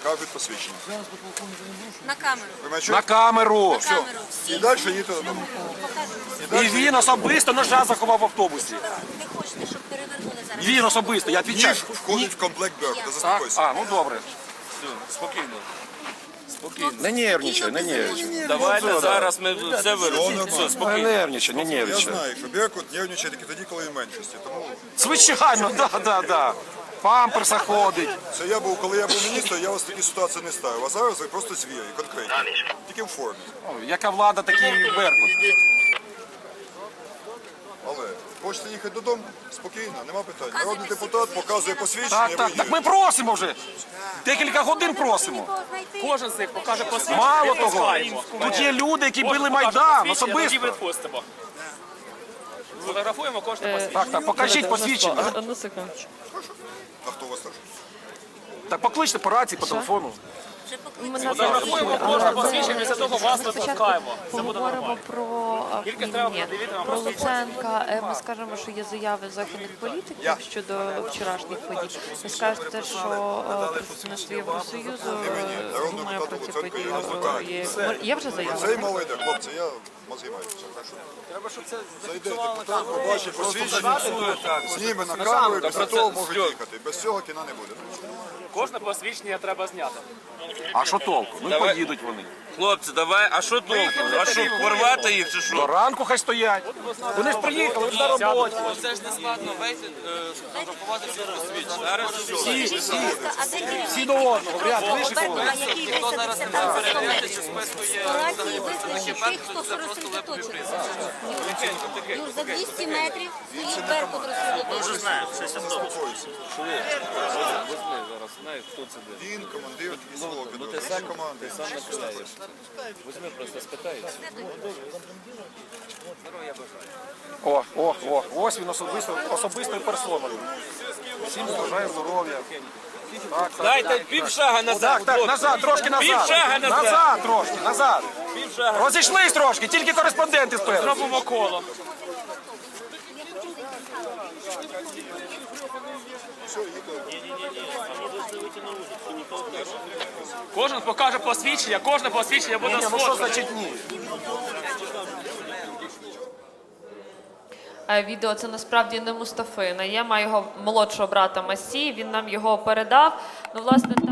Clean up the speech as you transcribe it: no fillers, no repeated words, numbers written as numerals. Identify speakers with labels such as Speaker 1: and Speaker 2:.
Speaker 1: покажуть посвідчення.
Speaker 2: На камеру.
Speaker 1: Ви мене
Speaker 3: На
Speaker 1: чуєте?
Speaker 3: камеру.
Speaker 2: На камеру.
Speaker 1: І далі їдете додому.
Speaker 3: І він особисто ножа заховав в автобусі.
Speaker 2: Не хочете, щоб перевернули зараз?
Speaker 3: Він особисто, я відвічаю.
Speaker 1: Ніж входить в комплект Беркута, заспокойся.
Speaker 3: А, ну добре.
Speaker 4: Спокійно.
Speaker 3: Не нервничай, не нервничай.
Speaker 4: Давайте зараз ми все вирішимо. Все,
Speaker 3: Не
Speaker 4: спокійно.
Speaker 3: нервничай, не
Speaker 1: Я
Speaker 3: нервничай.
Speaker 1: знаю, що Беркут нервничає тільки тоді, коли він в меншості. Тому
Speaker 3: Звичайно, да. Памперса ходить.
Speaker 1: це я був, коли я був міністром, я вас в такі ситуації не ставив. А зараз ви просто звірі, конкретні. Тільки в формі.
Speaker 3: О, яка влада, такий Беркут.
Speaker 1: Але хочете їхати додому? Спокійно, нема питань. Народний депутат показує посвідчення, і ви
Speaker 3: Так
Speaker 1: їдете.
Speaker 3: ми просимо вже. Декілька годин просимо.
Speaker 4: Кожен з них покаже посвідчення.
Speaker 3: Мало того, тут є люди, які били Майдан особисто.
Speaker 4: Відпустимо. Фотографуємо кожне посвідчення.
Speaker 3: Так, покажіть посвідчення.
Speaker 5: Одну секундочку.
Speaker 1: А хто у вас теж?
Speaker 3: Так покличте по рації, по телефону.
Speaker 2: Вже покликали.
Speaker 5: Ми
Speaker 4: Фотографуємо кожне посвідчення, після того вас випускаємо. Все буде
Speaker 5: поговоримо
Speaker 4: нормально.
Speaker 5: про
Speaker 4: Тільки треба
Speaker 5: ні,
Speaker 4: подивитися на
Speaker 5: про
Speaker 4: посвідчення.
Speaker 5: Луценка. Ми скажемо, що є заяви західних політиків щодо вчорашніх подій. Ви скажете, що представництво Євросоюзу думає про ці події. Є вже заяви?
Speaker 1: Це й мова йде, хлопці, я займаюся.
Speaker 4: Треба, щоб це
Speaker 1: Зайдете, депутат побачить посвідчення, зніме на камеру, і після того можуть їхати. Без цього кіна не буде.
Speaker 4: кожне посвідчення треба зняти.
Speaker 3: А що толку? Ну і поїдуть вони.
Speaker 6: Хлопці, давай, а що толку? А що, порвати їх чи
Speaker 3: До
Speaker 6: що?
Speaker 3: ранку хай стоять. Вони ж приїхали, вони на роботі.
Speaker 6: Це ж не складно, вийти, сфотографувати всі посвідчення. Зараз все.
Speaker 2: А де керівник?
Speaker 3: Всі до одного, в ряд вийшли.
Speaker 2: Беркута, який висадився там за 100 метрів.
Speaker 6: Чи списку є
Speaker 2: Операції визначив тих, хто розсредоточений. Юр, за 200 метрів стоїть Беркут розсредоточений.
Speaker 6: зараз, знаєш, хто це де.
Speaker 1: Він командир військового підрозділу. Всі команди.
Speaker 6: Візьми, просто спитається.
Speaker 3: Ось він особистою персоною. Всім бажаю здоров'я. Так.
Speaker 6: Дайте півшага назад.
Speaker 3: Так, назад, трошки назад.
Speaker 6: Півшага назад.
Speaker 3: Назад трошки, назад. Розійшлись трошки, тільки кореспонденти спереду.
Speaker 4: Робимо коло. Кожен покаже посвідчення, кожне посвідчення буде
Speaker 3: Ну що
Speaker 4: сфоткане.
Speaker 3: значить ні?
Speaker 5: Відео це насправді не Мустафина. Я маю його молодшого брата Масі. Він нам його передав. Ну, власне,